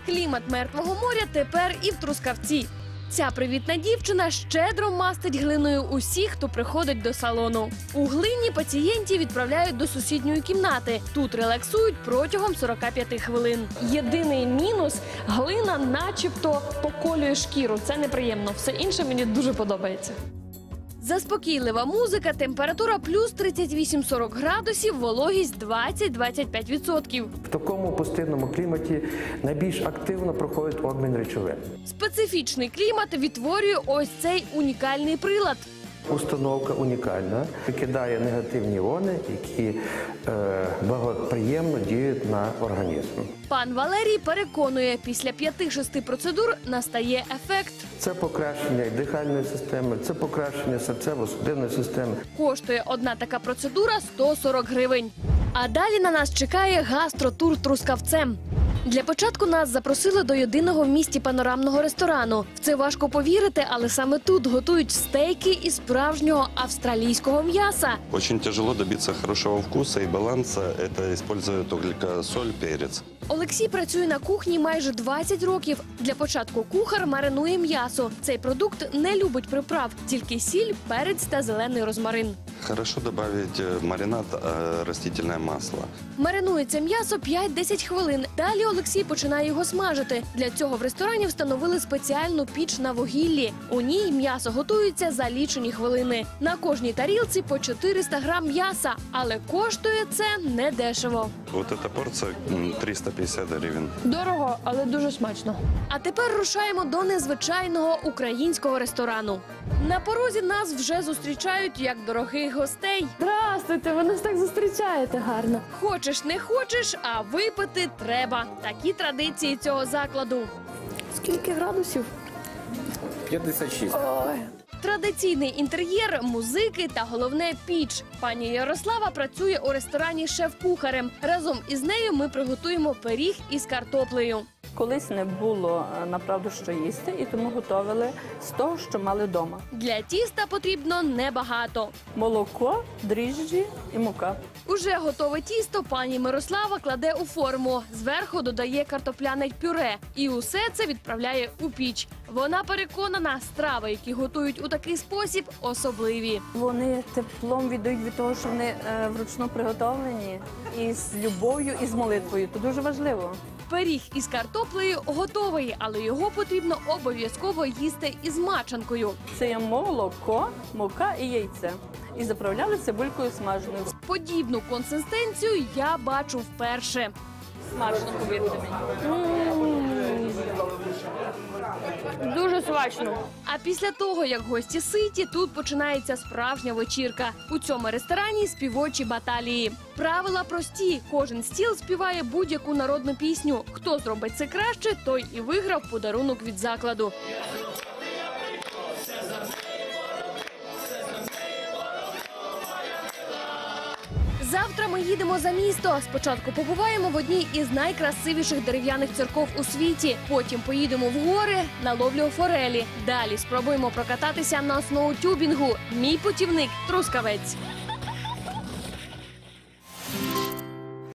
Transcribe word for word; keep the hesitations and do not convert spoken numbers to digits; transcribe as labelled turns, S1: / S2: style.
S1: Клімат Мертвого моря тепер і в Трускавці. Ця привітна дівчина щедро мастить глиною усіх, хто приходить до салону. У глині пацієнтів відправляють до сусідньої кімнати. Тут релаксують протягом сорока п'яти хвилин. Єдиний мінус – глина начебто поколює шкіру. Це неприємно. Все інше мені дуже подобається. Заспокійлива музика, температура плюс тридцять вісім - сорок градусів, вологість двадцять - двадцять п'ять відсотків.
S2: В такому пустинному кліматі найбільш активно проходить обмін речовин.
S1: Специфічний клімат відтворює ось цей унікальний прилад.
S2: Установка унікальна, викидає негативні іони, які е, благоприємно діють на організм.
S1: Пан Валерій переконує, після п'яти-шести процедур настає ефект.
S2: Це покращення і дихальної системи, це покращення серцево-судинної системи.
S1: Коштує одна така процедура сто сорок гривень. А далі на нас чекає гастротур Трускавцем. Для початку нас запросили до єдиного в місті панорамного ресторану. В це важко повірити, але саме тут готують стейки із справжнього австралійського м'яса.
S3: Очень тяжело добиться хорошего вкуса и баланса. Это используют только соль, перец.
S1: Олексій працює на кухні майже двадцять років. Для початку кухар маринує м'ясо. Цей продукт не любить приправ, тільки сіль, перець та зелений розмарин.
S3: Хорошо добавить в маринад э, растительное масло.
S1: Маринується м'ясо п'ять-десять хвилин. Далі Олексій починає його смажити. Для цього в ресторані встановили спеціальну піч на вугіллі. У ній м'ясо готується за лічені хвилини. На кожній тарілці по чотириста грам м'яса, але коштує це недешево.
S3: Вот эта порция м, триста пятьдесят гривен.
S1: Дорого, але дуже смачно. А тепер рушаємо до незвичайного українського ресторану. На порозі нас вже зустрічають як дорогих гостей. Здравствуйте, ви нас так зустрічаєте гарно. Хочеш, не хочеш, а випити треба. Такі традиції цього закладу. Скільки градусів?
S4: п'ятдесят шість.
S1: Ой. Традиційний інтер'єр, музики та головне піч. Пані Ярослава працює у ресторані шеф-кухарем. Разом із нею ми приготуємо пиріг із картоплею.
S5: Колись не було, направду, що їсти, і тому готували з того, що мали вдома.
S1: Для тіста потрібно небагато.
S5: Молоко, дріжджі і мука.
S1: Уже готове тісто пані Мирослава кладе у форму. Зверху додає картопляне пюре. І усе це відправляє у піч. Вона переконана, страви, які готують у такий спосіб, особливі.
S5: Вони теплом віддають від того, що вони е, вручну приготовлені, і з любов'ю, і з молитвою. Це дуже важливо.
S1: Пиріг із картоплею готовий, але його потрібно обов'язково їсти із мачанкою.
S5: Це є молоко, мука і яйце. І заправляли цибулькою смаженою.
S1: Подібну консистенцію я бачу вперше. Смачно, повірте мені. Дуже смачно. А після того, як гості ситі, тут починається справжня вечірка. У цьому ресторані співочі баталії. Правила прості. Кожен стіл співає будь-яку народну пісню. Хто зробить це краще, той і виграв подарунок від закладу. Завтра ми їдемо за місто. Спочатку побуваємо в одній із найкрасивіших дерев'яних церков у світі. Потім поїдемо в гори на ловлю форелі. Далі спробуємо прокататися на сноутюбінгу. Мій путівник – Трускавець.